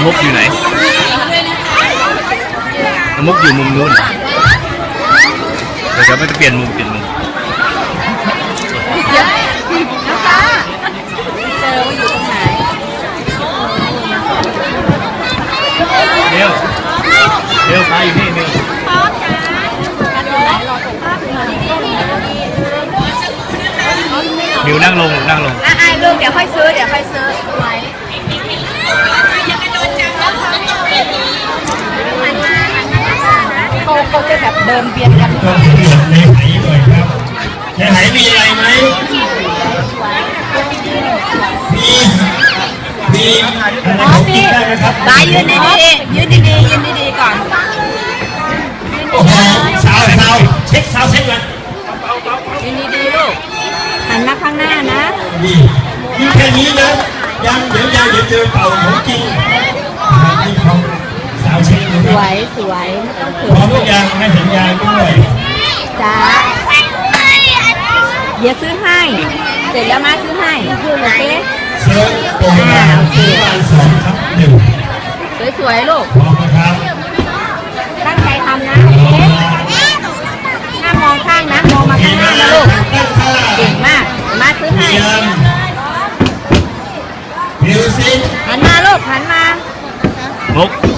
มุกอยู่ไหนน้ำมุกอยู่มุมนู้นเดี๋ยวมันจะเปลี่ยนมุมเร็วไปอยู่นี่มิวนั่งลงลูกเดี๋ยวค่อยซื้อไว้เขาจะแบบเดินเบียดกันก็เดือดในไหหน่อยครับในไหมีอะไรไหมมีอะไรของกินได้ไหมครับบายยืนดีๆก่อนโอ้โหสาวเช็คก่อนยืนดีๆลูกหันมาข้างหน้านะดียืนแค่นี้นะยังเดี๋ยวเจอเป่าของจริงนี่เขาสาวเช็คดูครับสวยไม่ต้องเขินพร้อมทุกอย่างให้สัญญาณด้วยจ้าเดี๋ยวซื้อให้เสร็จแล้วมาซื้อให้โอเคเชิญตรงมาที่บ้าน2/1 สวยๆลูกพร้อมนะครับตั้งใจทำนะโอเคห้ามมองข้างนะมองมาข้างหน้านะลูกเก่งมากมาซื้อให้มิวสิกหันมาลูกหันมามุก